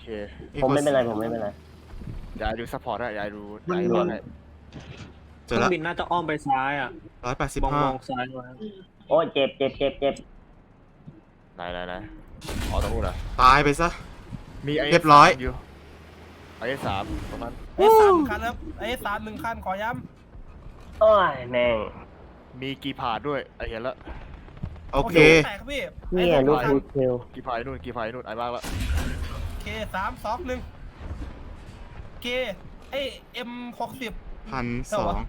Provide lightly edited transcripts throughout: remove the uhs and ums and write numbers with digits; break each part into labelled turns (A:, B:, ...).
A: ผมไม่เป็นไร
B: อย่าดูซัพพอร์ตได้อย่าดู
C: มัน
B: รอดให้
C: เครื่องบินน่าจะอ้อมไปซ้ายอ่ะมอง
A: 185
C: ซ้ายไว้
A: โอ้ยเจ็บ
B: ไหนอ๋อตรงนู้นเหรอ
D: ตายไปซะ
B: มีไอ้
D: เรียบร้อย
B: อยู่ไอ้สามตรงนั้น
E: ไอ้สามคันครับไอ้สาม1 คันขอย้
A: โอ้ยแม่ง
B: มีกีพาดด้วยไอ้เห็นแล้ว
E: ำ
D: โอเค
E: แตกครับพี่
A: เนี่ยลูก
E: ไอ้
A: ฟู
E: สอง
A: เทล
B: กีพาดนู่นไอ้บ้างละ
E: โอเค3 2 1โอเคไอ้M60
D: 1,200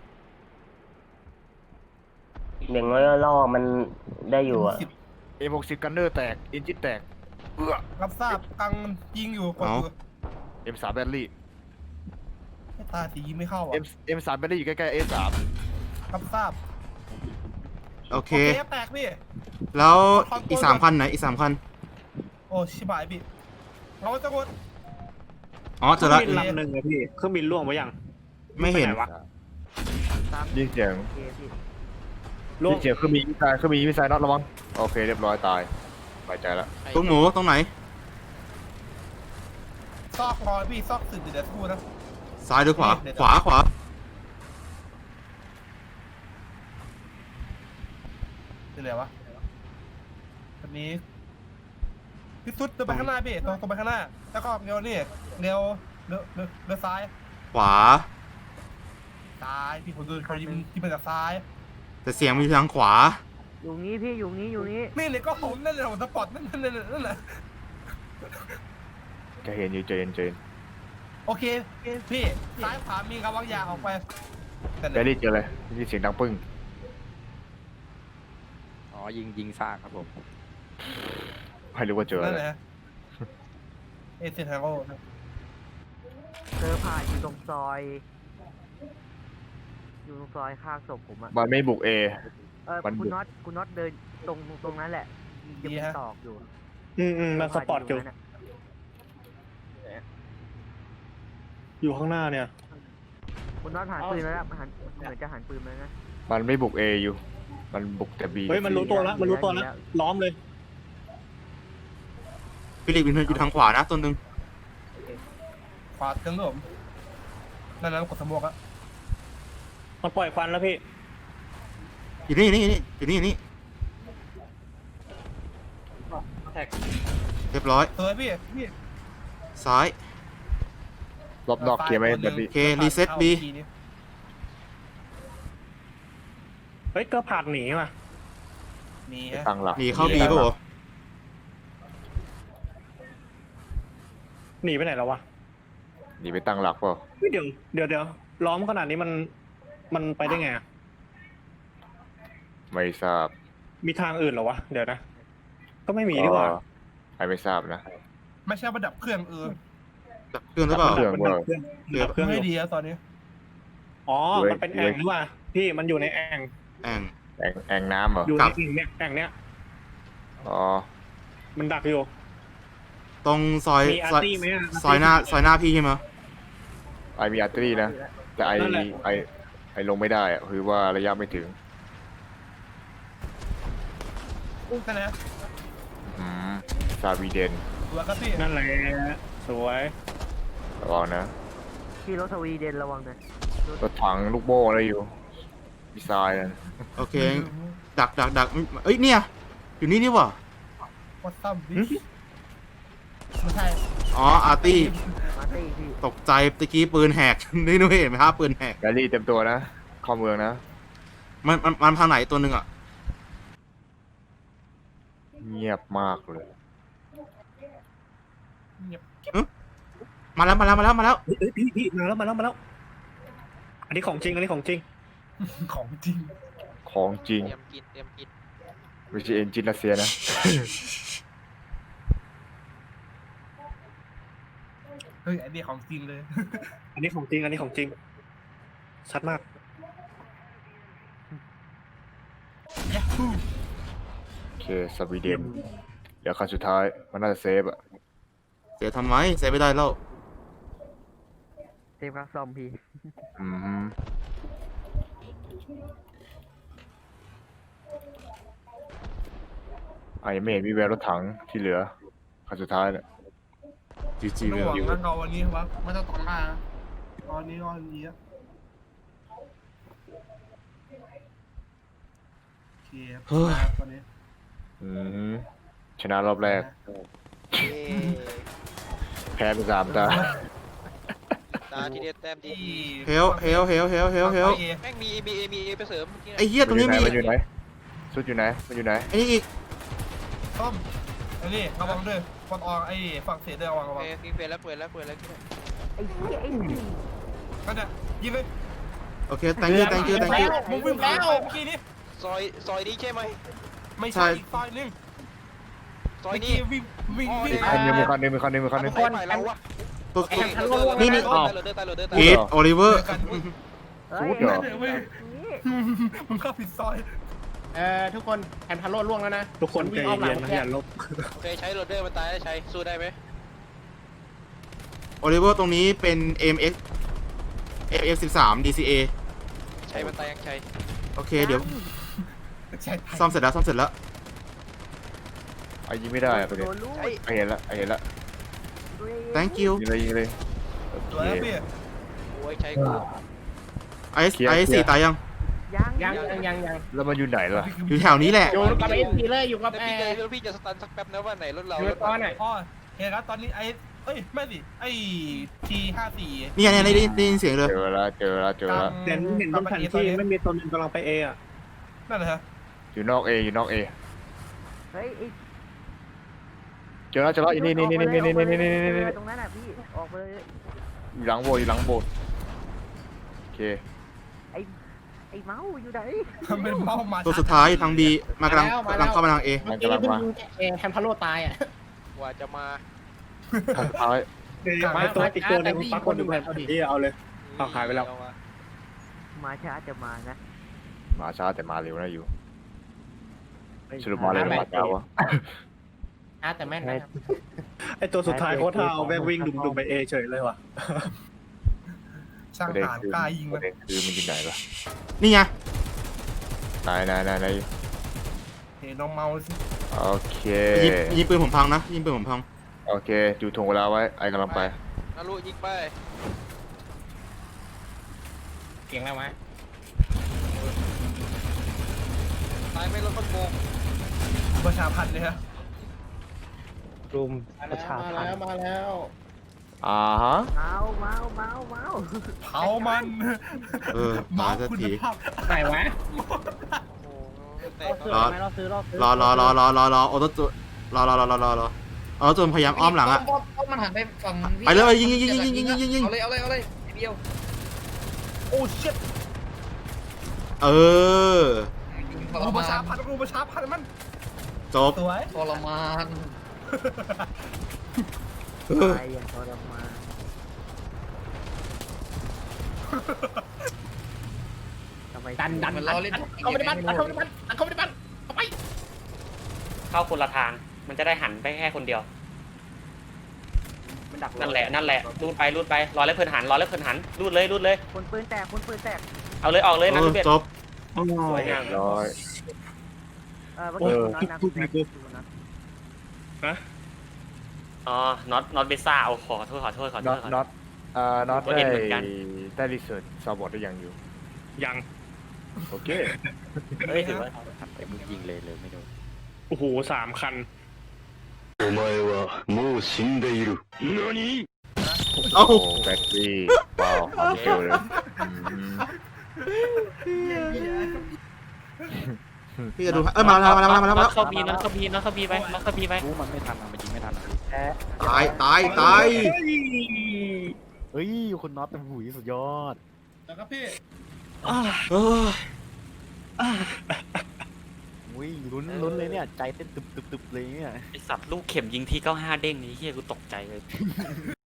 A: อย่างน้อยล่อมันได้อยู่อ่ะ
B: เอ็ม60กันเนอร์แตกอินจินแตก
E: รับทราบกังยิงอยู่กดอยู่
B: M3 แบตเตอรี่
E: ไม่ตาสียิงไม่เข้าอ่ะ
B: M3 แบตเตอรี่อยู่ใกล้ๆ A3
E: รับทราบ
D: โอเค
E: แตกพี่
D: แล้วอีก3 คันไหนอีก3 คัน
E: โอ้ชิบหายพี่เราจะกด
D: อ๋อ
C: เค
D: เจ
C: รื่
D: อ
C: อง
D: ละ
C: บินลำหนึ่งอะพี่เครื่องบินล่วงไปยัง
D: ไม่เห็น
C: ปวะ
B: ยิงเสียง
C: ล่วง
B: ยิงเสียงคือมีมิสไซล์น็อตระวังโอเคเรียบร้อยตายสบายใจแล้ว
D: ตุ้งหมูตรงไหน
E: ซอกรอยพี่ซอกสึกเดี๋ยวพูดนะ
D: ซ้ายหรือขวา ขวา
E: เป็นไรวะอันนี้พี่สุดตัวไปข้างหน้าพี่ตรงไปข้างหน้าแล้วก็เร็วนี่เร็วซ้าย
D: ขวา
E: ซ้ายพี่ผมดูเขายิงที่มาจากซ้าย
D: แต่เสียงมีทางขวา
A: อยู่นี้พี่อยู่นี้
E: นี่เลยก็ผมนั่นเลยผมสปอร์ตนั่นแหละ
B: จะเห็นอยู่เจน
E: โอเคพี่ซ้ายขวามีกำลังยางออกไป
B: แบตเตอรี่เจอเลยนี่เสียงดังปึ้ง
F: อ๋อยิงซากครับผม
B: ไม่รู้ว่าเจอ
E: นั่
B: อะ
E: น
B: ไร
E: แหละเอเซนทางโอ
A: เจอผ่านอยู่ตรงซอยข้างศพผมอ่ะ
B: มันไม่บุก A มัน
A: คุณน็อตเดินตรงนั้นแหละยังมีตอกอยู่
C: มันสปอร์ตอยู่อยู่ข้างหน้าเนี่ย
A: คุณน็อตหันปืนแล้วนะเหมือนจะหันปืนมานะ
B: มันไม่บุก A อยู่มันบุกแต่ B
C: เฮ้ยมันรู้ตัวแล้วล้อมเลย
D: ฟิลิปปินส์อยู่ทางขวานะตัวหนึ่ง
E: ขวาเติมผมนั่นกดสมองอะ
C: มันปล่อยควันแล้วพี่
D: อยู่นี่
C: แท็ก
D: เรียบร้อย
E: สวยพี่
D: ซ้าย
B: รอบนอกเคลียร์ไหมแบบนี้
D: โอเครีเซ็ต B
C: เฮ้ยก็ผักหนีมา
E: มี
B: ไป
E: ฮะ
B: ตั้งหลัก
D: หนีเข้า B ป่ะวะ
C: หนีไปไหนแล้ววะ
B: หนีไปตั้งหลักเปล่า
C: เฮ้ยเดี๋ยวล้อมขนาดนี้มันไปได้ไงอะ
B: ไม่ทราบ
C: มีทางอื่นเหรอวะเดี๋ยวนะก็ไม่มีดีกว่า
B: ใครไม่ทราบนะ
E: ไม่ใช่ประดับเครื่อง
D: ดับเครื่องหรือเปล่า
B: เครื่อง
C: มันดับเครื่องดับเครื่องอ
E: ไม่
C: ยู่
E: ดีแล้วตอนนี้
C: อ๋อมันเป็นแอ่งหรือว่าพี่มันอยู่ในแอ่ง
D: แอง
B: แองน้ำเหรอ
C: อยู่ในแอ่งเนี้ย
B: อ๋อ
C: มันดักอยู่
D: ตรงซอย
C: มีอาร์ตี้ไหมอะ
D: ซอยหน้าพี่ใช่ไหม
B: ไอมีอาร์ตรีนะแต่ไอลงไม่ได้อะคือว่าระยะไม่ถึง
E: นั่นนะ
B: ซาวีเดน
E: ตัวก็พี่
C: นั่นแหละสวย
B: ระวังนะ
A: ที่รถสวีเดนระวังนะ
B: รถถังลูกโม่อะไรอยู่มิสไซล์นั่น
D: โอเค ดักเอ้ยเนี่ยอยู่นี่ว่ะ
E: วัดซ้ำวิไม่ใช่
D: อ๋ออาร์ตี้
A: มาตี้พี่
D: ตกใจตะกี้ปืนแหก นี่นุ้ยเห็นไหมครับปืนแหก
B: แบลลี่เต็มตัวนะเข้าเมืองนะ
D: มันทางไหนตัวหนึ่งอ่ะ
B: เงียบมากเลย
E: เงียบ
D: มาแล้ว
C: เฮ้ยพี่มาแล้วอันนี้ของจริง
E: ของจริง
B: ของจริง
F: เตรียมกิน
B: ไม่ใช่เอนจินรัสเซียนะ
E: เฮ้ยอันนี้ของจริงเลย
C: อันนี้ของจริงชัดมาก
E: ยัฮู
B: โอเคสวีเดนเดี๋ยวขั้นสุดท้ายมันน่าจะเซฟอะ
D: เสียทำไมเสียไม่ได้แล้ว
A: เซฟครับซอมพี่
B: อืมไอไม่เห็นมีแววรถถังที่เหลือขั้นสุดท้ายเนี่ย
D: จีจี
E: ไม่
D: เว
E: ห
D: ล
E: วังนะเราวันนี้วะไม่ต้องตอนหน้านะตอนนี้ก็อันนี้อะโอเคครับตอนนี้
B: อืมชนะรอบแรก
F: เย้
B: แพ้ไป3 ตา
F: ตาที่เด็ดแต้มดี
D: เฮล
F: แม่งมีไปเสริมเมื่อกี้
D: ไอ้เหี้ยตรงนี้มี
B: มันอยู่ไหนสุดอยู่ไหนมันอยู่ไหน
D: ไอ้นี่อีก
E: ต้อมไอ้นี่ระวังด้วยฟันออกไอ้ฝั่งเสียด้วยระวัง
F: โอเคมีเปิดแล้ว
A: ไอ้เหี้ยไอ้นี่
E: ก็เนี่ยยิงเลย
D: โอเค thank you
E: มึงวิ่งแล้วเมื่อกี้นี้
F: ซอยนี้ใช่ไหม
E: ไม่ใช่อีกซอยนึง
F: ซอย
E: เมื่อ
F: นี้
E: กี้วิ่ง
B: มีคันหนึงมีคันหนึงมีคันหนึง
F: คนเราวะ
D: ตัว
F: นี่
D: นี่ออก
F: ตายเลย
D: เฮดโอลิเวอร์
A: เฮ้ย
B: เหรอ
E: มึงเข้าผิดซอย
G: ทุกคนแอนพาโลล่วงแล้วนะ
C: ทุกคนใจเย็นๆนะอย่าลบ
F: โอเคใช้โรเดอร์มันตายได้ใช้สู้ได้ไหม
D: โอลิเวอร์ตรงนี้เป็น MX FF13 DCA
F: ใช้มันตายยังใช้
D: โอเคเดี๋ยว
E: ใช่
D: ซ่อมเสร็จแล้ว
B: ไอ้ยิงไม่ได้อะประเด็น
A: โดนลูก
B: ไอ้เห็นละ
D: thank you
B: ยิงเลยโอ
E: สวย
B: เค
E: พี่
F: โอ้ยใช้กู
D: ไอสี่ตายยัง
A: ยัง
G: ยัง
B: แล้วมันอยู่ไหนล่ะ
D: อยู่แถวนี้แหละ
G: อยู่กับเอ็นพีเลยอยู่กับ
F: แล้วพี่จะสตันสักแป๊บนะว่าไหนรถเรา
G: อยู่ตอนไหน
E: อ๋อเห็นครับตอนนี้ไอ้เอ้ยไม่สิไอ้ T54
D: นี่ไงได้ยินเสียงเลย
B: เจอละ
C: เด่นเห็นบนแผนที่ไม่มีตัวหนึงกำลังไปเออะ
E: นั่นแหละฮะ
B: อยู่นอกเออยู่นอกเอ
A: เฮ้ยไอ้
B: เจอแล้วนี่
A: ตรงนั้นอ่ะพี่ออกไปเลย
B: อยู่หลังโบสถ์โอเค
A: ไอ้เมาส์อยู่ไหน
E: เป็นเมาส์มา
D: ตัวสุดท้ายทาง B มากำลังเข้ามาทาง A
G: เมื่อกี้เพิ่งแอนพาโลตายอ่ะ
F: กว่าจะมา
B: ทางท้าย
C: ไอ้ตัวอีกตัวหนึงปรากฏอยู่แผนที่เอาเลย เอาหายไปแล้ว
A: มาช้าจะมานะ
B: มาช้าแต่มาเร็วนะอยู่สรุปมาเร็วหรือมาช้าวะ
G: แต่แม่นนะ
C: ไอ้ตัวสุดท้ายโคตรเอาแม่งวิ่งดุมๆไปเอเฉยเลยว่ะ
E: ช่าง
B: ประเด็น
E: ฐาน
B: คือก
E: ล้ายิง
B: ป
E: มั
B: ระ
E: น
B: เด็นคือมันอยู่ไหนล่ะ
D: นี่ไง
B: ไหน
E: เห็นน้องเมาสิ
B: โอเค
D: ยิงปืนผมพังนะยิงปืนผมพัง
B: โอเคดูทงเวลาไว้ไอ้กำลังไป
F: นารุยิงไป
G: เสียงแล้วไหม
F: ตายไม่รถขโมง
E: ประชาพันธ์เลยฮะ
C: รุมประชาพันธ์
G: มาแล้ว
B: อ่าฮะ
A: เมาเมาเมาเมา
E: เผามัน
D: มา
E: เมา
D: สัก
E: คุณ
D: ที
E: ภาพ
G: ไหนวะ
F: โอ้แต
G: เราซื้อไหมเราซื้อ
D: รอโอโตโจรอโอโตโจพยายามอ้อมหลังอะ
H: มันหันไปฝั่ง
D: ไปเลยยิง
H: เอาเลยเดียว
E: โอ้เชิด
D: เออ
E: รูประชาพันธ์มัน
D: จบ
E: สวย
H: ทรมาน
A: ตายอย่างทรมานทำไม
G: ดัน
H: มันล้อเล่น
G: เขาไม่ได้บันเขาไม่ได้บันเขาไม่ได้บันเข้าไป
I: เข้าคนละทาง มันจะได้หันไปแค่คนเดียว นั่นแหละรูดไปรอแล้วเพิ่นหันรูดเลย
A: คนปืนแตก
I: เอาเลยออกเลยนะทุกเบ็ด
D: จบ
I: สวยงาม
B: ร้อย
A: เมื่อกี้คุณน็อตนะคุณน็อต
I: อ๋อน็อตเบซ่าเอาขอโทษ
B: น็อตน็อต
I: ก็เห็นเหมือนกัน
B: ได้รีเสิร์ชซาวบอร์ดได้ยังอยู่
C: ยัง
B: โอเค
I: เฮ้ยถือว่า
F: มึงยิงเลยไม่โดน
C: โอ้โห3 คัน
B: โอ้
D: เอ้า
B: โหแบตเตอรี่ว้าวความเร็วเลยอืม
D: พี่จะดูมาแล้ว
I: น็อตเข้าบีไปรู้มันไม่ทันมันยิงไม่ทัน
D: ตาย
F: เฮ้ยคุณน็อตเป็นหุยสุดยอด
E: แล้วก็พี่
D: เออ
F: อุ้ยลุ้นเลยเนี่ยใจเต้นตึบเลยเนี่ย
I: ไอสัตว์ลูกเข็มยิงที่95เด้งนี้เฮียกูตกใจเลย